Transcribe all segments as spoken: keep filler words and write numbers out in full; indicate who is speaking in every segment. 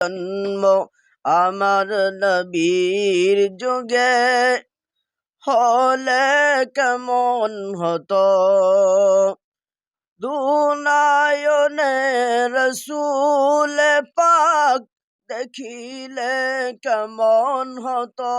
Speaker 1: জন্ম আমার নবীর যুগে হলে কেমন হতো, দুনায়নে রসূল পাক দেখিলে কেমন হতো।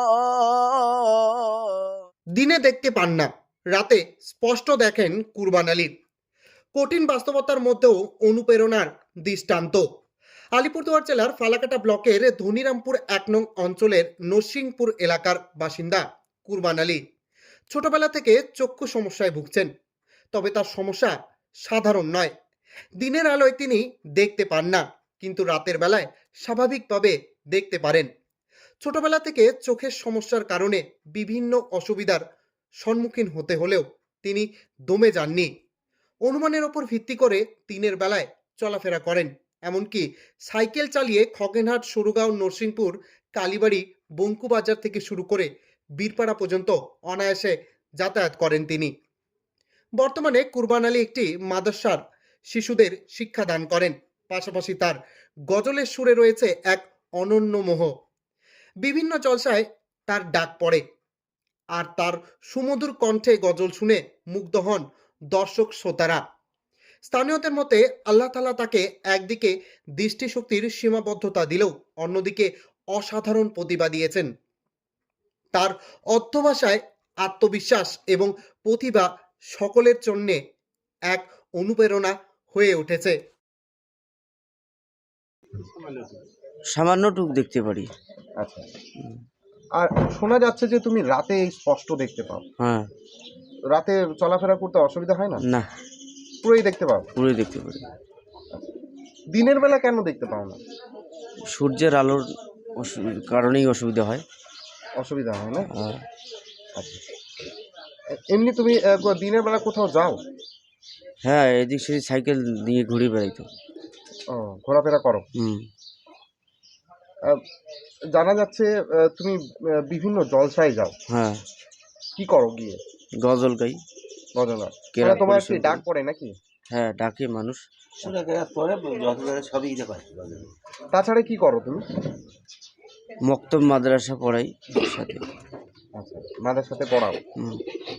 Speaker 2: দিনে দেখতে পান না, রাতে স্পষ্ট দেখেন কুরবান আলী। কঠিন বাস্তবতার মধ্যেও অনুপ্রেরণার দৃষ্টান্ত। আলিপুরদুয়ার জেলার ফালাকাটা ব্লকের ধনিরামপুর এক নং অঞ্চলের নরসিংপুর এলাকার বাসিন্দা কুরবান আলী ছোটবেলা থেকে চক্ষু সমস্যায় ভুগছেন। তবে তার সমস্যা সাধারণ নয়। দিনের আলোয় তিনি দেখতে পান না, কিন্তু রাতের বেলায় স্বাভাবিকভাবে দেখতে পারেন। ছোটবেলা থেকে চোখের সমস্যার কারণে বিভিন্ন অসুবিধার সম্মুখীন হতে হলেও তিনি দমে যাননি। অনুমানের ওপর ভিত্তি করে দিনের বেলায় চলাফেরা করেন, এমনকি সাইকেল চালিয়ে খগেনহাট, সরুগাঁও, নরসিংপুর, কালীবাড়ি, বঙ্কুবাজার থেকে শুরু করে বীরপাড়া পর্যন্ত অনায়াসে যাতায়াত করেন তিনি। বর্তমানে কুরবান আলী একটি মাদ্রাসার শিশুদের শিক্ষাদান করেন। পাশাপাশি তার গজলের সুরে রয়েছে এক অনন্য মোহ। বিভিন্ন জলসায় তার ডাক পড়ে, আর তার সুমধুর কণ্ঠে গজল শুনে মুগ্ধ হন দর্শক শ্রোতারা। স্থানীয়দের মতে আল্লাহ তাআলা তাকে একদিকে দৃষ্টিশক্তির সীমাবদ্ধতা দিলেও অন্যদিকে অসাধারণ প্রতিভা দিয়েছেন। তার অধ্যবসায়, আত্মবিশ্বাস এবং প্রতিভা সকলের জন্য এক অনুপ্রেরণা হয়ে উঠেছে।
Speaker 1: সামান্যটুক দেখতে পারি।
Speaker 3: আচ্ছা, আর শোনা যাচ্ছে যে তুমি রাতে স্পষ্ট দেখতে পাও।
Speaker 1: হ্যাঁ।
Speaker 3: রাতে চলাফেরা করতে অসুবিধা হয় না?
Speaker 1: না,
Speaker 3: পুরোই দেখতে পাও?
Speaker 1: পুরোই দেখতে পারি।
Speaker 3: দিনের বেলা কেন দেখতে পাও না?
Speaker 1: সূর্যের আলোর কারণেই অসুবিধা হয়।
Speaker 3: অসুবিধা হয় না?
Speaker 1: আর
Speaker 3: আচ্ছা, এমনি তুমি আহ, দিনের বেলা কোথাও যাও?
Speaker 1: হ্যাঁ, এদিক সেদিক সাইকেল নিয়ে ঘুরে বেড়াইতো।
Speaker 3: ও, ঘোরাফেরা করো।
Speaker 1: হুম।
Speaker 3: আহ, জানা যাচ্ছে আহ, তুমি আহ, বিভিন্ন জলসায় যাও।
Speaker 1: হ্যাঁ,
Speaker 3: কি করো গিয়ে?
Speaker 1: গজল গাই।
Speaker 3: গজনা
Speaker 1: কেরাত
Speaker 3: মানে তোমার কি
Speaker 1: পরিবেশন
Speaker 3: ডাক
Speaker 1: করি।
Speaker 3: পড়ে নাকি?
Speaker 1: হ্যাঁ, ডাকে মানুষ।
Speaker 3: তাছাড়া কি করো তুমি?
Speaker 1: মক্তব মাদ্রাসা পড়াই সাথে।
Speaker 3: আচ্ছা, মাদের সাথে পড়াও।
Speaker 1: হুম।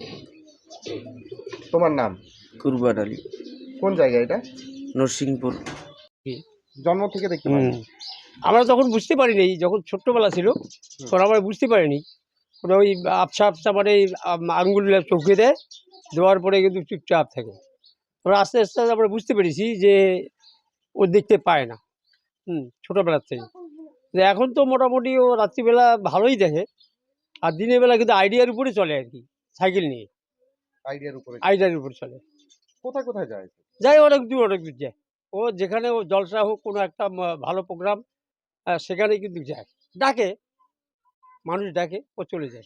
Speaker 3: তোমার নাম?
Speaker 1: কুরবান আলী,
Speaker 3: কোন জায়গা এটা?
Speaker 1: নরসিংপুর।
Speaker 3: জন্ম থেকে দেখতে পাই?
Speaker 4: হুম। আমরা তখন বুঝতে পারিনি, যখন ছোট্টবেলা ছিল তখন আমরা বুঝতে পারিনি। ওরা ওই আবসা আবসা মানে আঙ্গুল চোখে দেয়, দেওয়ার পরে কিন্তু চুপচাপ থাকে। আমরা আস্তে আস্তে আমরা বুঝতে পেরেছি যে ও দেখতে পায় না। হুম, ছোটোবেলার থেকে। এখন তো মোটামুটি ও রাত্রিবেলা ভালোই দেখে, আর দিনের বেলা কিন্তু আইডিয়ার উপরে চলে আর কি, সাইকেল নিয়ে
Speaker 3: আইডিয়ার উপরে?
Speaker 4: আইডিয়ার উপরে চলে।
Speaker 3: কোথায় কোথায় যায়?
Speaker 4: যাই অনেক দূর অনেক দূর যায়। ও যেখানে ও জলসা হোক, কোনো একটা ভালো প্রোগ্রাম, সেখানে কিন্তু যায়, ডাকে, মানুষ ডাকে, ও চলে যায়।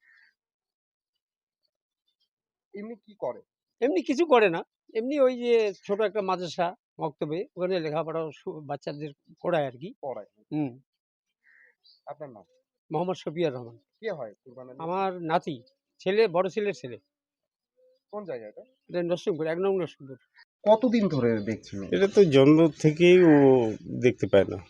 Speaker 3: এমনি কি করে?
Speaker 4: এমনি কিছু করে না, এমনি ওই যে ছোট একটা মাদ্রাসা মক্তবে, ওখানে লেখাপড়া বাচ্চাদের পড়ায় আর কি।
Speaker 3: পড়ায়।
Speaker 4: হুম।
Speaker 3: আপনার নাম?
Speaker 4: মোহাম্মদ শফিয়ার রহমান।
Speaker 3: কে হয় কুরবান আলী?
Speaker 4: আমার নাতি, ছেলে, বড় ছেলের ছেলে।
Speaker 3: কোন জায়গা এটা?
Speaker 4: এটা নরসিংপুর, এক নং নরসিংপুর।
Speaker 3: কতদিন ধরে দেখছেন?
Speaker 5: এটা তো জন্ম থেকেই ও দেখতে পায় না।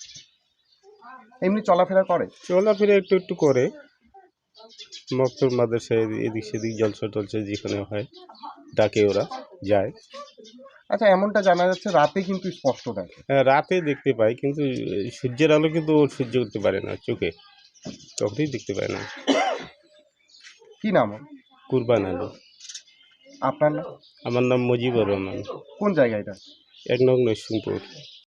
Speaker 3: এমনি চলাফেরা করে?
Speaker 5: চলাফেরা একটু একটু করে, মক্তব মাদ্রাসায় এদিক সেদিক জলসা টলসা যেখানে হয় ডাকে ওরা যায়।
Speaker 3: আচ্ছা, এমনটা জানা যাচ্ছে রাতে কিন্তু স্পষ্ট দেখে?
Speaker 5: হ্যাঁ, রাতে দেখতে পায়, কিন্তু সূর্যের আলো কিন্তু ও সহ্য করতে পারে না চোখে, তখনই দেখতে পায় না।
Speaker 3: কি নাম?
Speaker 5: কুরবান আলী।
Speaker 3: আপনার নাম?
Speaker 5: আমার নাম মুজিবুর রহমান।
Speaker 3: কোন জায়গা এটা?
Speaker 5: এক নং নরসিংপুর।